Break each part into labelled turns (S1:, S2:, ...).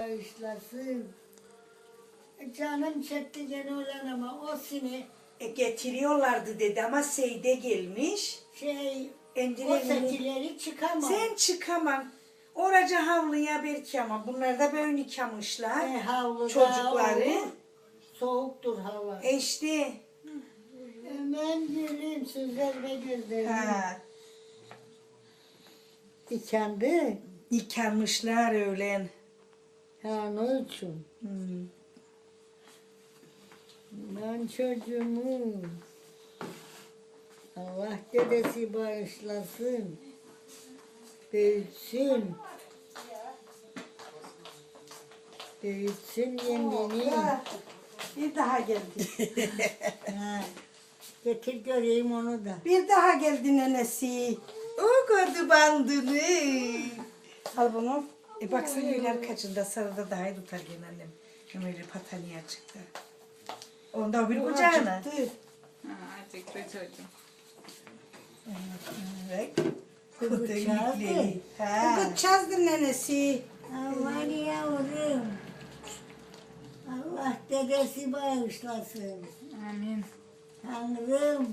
S1: bağışlasın. Canım çekti gene olan ama o sene
S2: Getiriyorlardı dedi ama Seyde gelmiş.
S1: o
S2: Endire'nin
S1: sekileri çıkamam.
S2: sen çıkamam. Oraca havluya belki ama bunlar da böyle yıkamışlar.
S1: Havluda
S2: Çocukları.
S1: olur. Soğuktur hava.
S2: İşte.
S1: Hemen gülüm süzer ve gözlerim.
S2: Ha,
S1: Dikendi.
S2: yıkanmışlar öğlen.
S1: Ha ne için?
S2: Hmm.
S1: Ben çocuğumu Allah dedesi bağışlasın. Büyütsün. Büyütsün yengeni.
S2: Bir daha geldi.
S1: Ha, getir göreyim onu da.
S2: Bir daha geldi nenesi. O gördü bandını. Al bunu. Baksana öyle kaçında sarıda daha iyi tutar gene annem. Hem öyle pataniye çıktı. Onda bir kucağına.
S3: Acıktı çocuğum.
S2: Bak.
S1: Kızı çağırdı.
S2: Kız çazdı nenesi.
S1: Aman yavrum. Allah dedesi bağışlasın.
S3: Amin.
S1: Tanrım.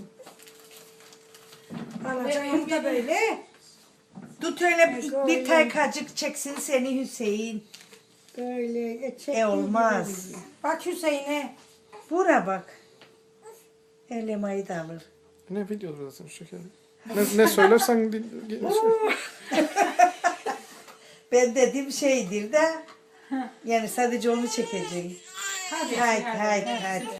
S2: Alacak onu da böyle. Tut öyle bir taykacık çeksin seni Hüseyin.
S1: Böyle
S2: Olmaz. Bak Hüseyin'e. Bura bak. Elemayı da alır.
S4: Ne videodasın şeker? Ne söylersen
S2: Ben dediğim şeydir de. Yani sadece onu çekeceğim. Hadi. Haydi.